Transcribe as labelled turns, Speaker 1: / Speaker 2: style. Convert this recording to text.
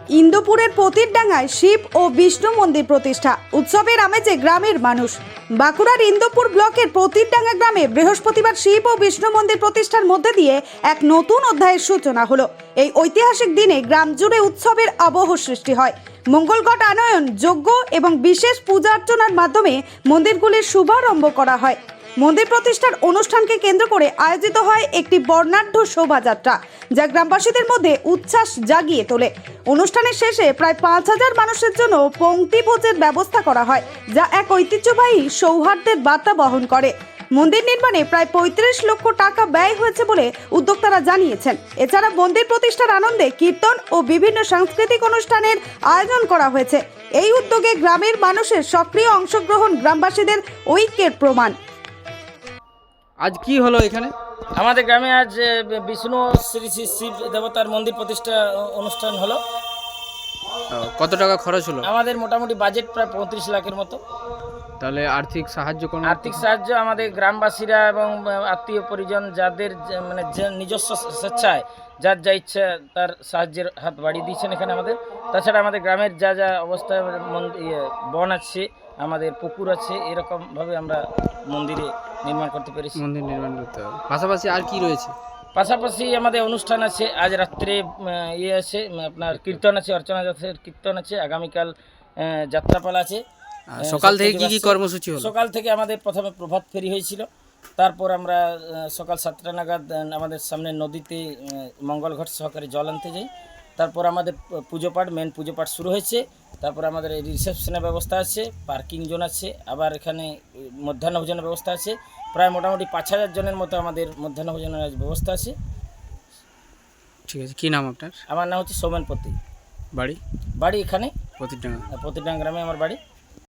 Speaker 1: ইন্দুপুরের পতিরডাঙ্গায় শিব ও বিষ্ণু মন্দির প্রতিষ্ঠা, উৎসবের আমেজে গ্রামের মানুষ। বাঁকুড়ার ইন্দুপুর ব্লকের পতিরডাঙ্গা গ্রামে বৃহস্পতিবার শিব ও বিষ্ণু মন্দির প্রতিষ্ঠার মধ্যে দিয়ে এক নতুন অধ্যায়ের সূচনা হলো। এই ঐতিহাসিক দিনে গ্রাম জুড়ে উৎসবের আবহ সৃষ্টি হয়। মঙ্গলঘট আনয়ন, যজ্ঞ এবং বিশেষ পূজা অর্চনার মাধ্যমে মন্দিরগুলির শুভারম্ভ করা হয়। মন্দির প্রতিষ্ঠার অনুষ্ঠানকে কেন্দ্র করে আয়োজিত হয় একটি বর্ণাঢ্য শোভাযাত্রা, যা গ্রামবাসীদের মধ্যে উচ্ছ্বাস জাগিয়ে তোলে। অনুষ্ঠানের শেষে প্রায় ৫,০০০ মানুষের জন্য পংক্তি ভোজের ব্যবস্থা করা হয়, যা এক ঐতিহ্যবাহী সৌহার্দ্যের বার্তা বহন করে। মন্দির নির্মাণে প্রায় ৩৫ লক্ষ টাকা ব্যয় হয়েছে বলে উদ্যোক্তারা জানিয়েছেন। এছাড়া মন্দির প্রতিষ্ঠার আনন্দে কীর্তন ও বিভিন্ন সাংস্কৃতিক অনুষ্ঠানের আয়োজন করা হয়েছে। এই উদ্যোগে গ্রামের মানুষের সক্রিয় অংশগ্রহণ গ্রামবাসীদের ঐক্যের প্রমাণ।
Speaker 2: আজ কি হলো এখানে?
Speaker 3: আমাদের গ্রামে আজ বিষ্ণু শ্রী শ্রী শিব দেবতার মন্দির প্রতিষ্ঠা অনুষ্ঠান হলো।
Speaker 2: কত টাকা খরচ হলো?
Speaker 3: আমাদের মোটামুটি বাজেট প্রায় ৩৫ লাখের মতো।
Speaker 2: তাহলে আর্থিক সাহায্য কোন?
Speaker 3: আর্থিক সাহায্য আমাদের গ্রামবাসীরা এবং আত্মীয় পরিজন যাদের মানে যে নিজস্ব স্বেচ্ছায় যার যা ইচ্ছা তার সাহায্যের হাত বাড়িয়ে দিয়েছেন এখানে আমাদের। তাছাড়া আমাদের গ্রামের যা যা অবস্থায় বন আছে, আমাদের পুকুর আছে, এরকমভাবে আমরা মন্দিরে নির্মাণ করতে পেরেছি।
Speaker 2: মন্দির নির্মাণ করতে হবে। পাশাপাশি আর কি রয়েছে?
Speaker 3: পাশাপাশি আমাদের অনুষ্ঠান আছে, আজ রাত্রে আছে আপনার কীর্তন আছে, অর্চনা যাত্রার কীর্তন আছে, আগামীকাল যাত্রাপালা আছে।
Speaker 2: সকাল থেকে কি কি কর্মসূচি হলো?
Speaker 3: সকাল থেকে আমাদের প্রথমে প্রভাত ফেরি হয়েছিল, তারপর আমরা সকাল 7টা নাগাদ আমাদের সামনে নদীতে মঙ্গলঘট সহকারে জল আনতে যাই। তারপর আমাদের পুজো পাঠ, মেন পুজো পাঠ শুরু হয়েছে। তারপর আমাদের রিসেপশনের ব্যবস্থা আছে, পার্কিং জোন আছে, আবার এখানে মধ্যাহ্ন ভোজনের ব্যবস্থা আছে। প্রায় মোটামুটি ৫,০০০ জনের মতো আমাদের মধ্যাহ্ন ভোজনের ব্যবস্থা আছে।
Speaker 2: ঠিক আছে, কি নাম আপনার?
Speaker 3: আমার নাম হচ্ছে সৌমেন পতি।
Speaker 2: বাড়ি?
Speaker 3: বাড়ি এখানে
Speaker 2: পতিরডাঙ্গা।
Speaker 3: পতিরডাঙ্গা গ্রামে আমার বাড়ি।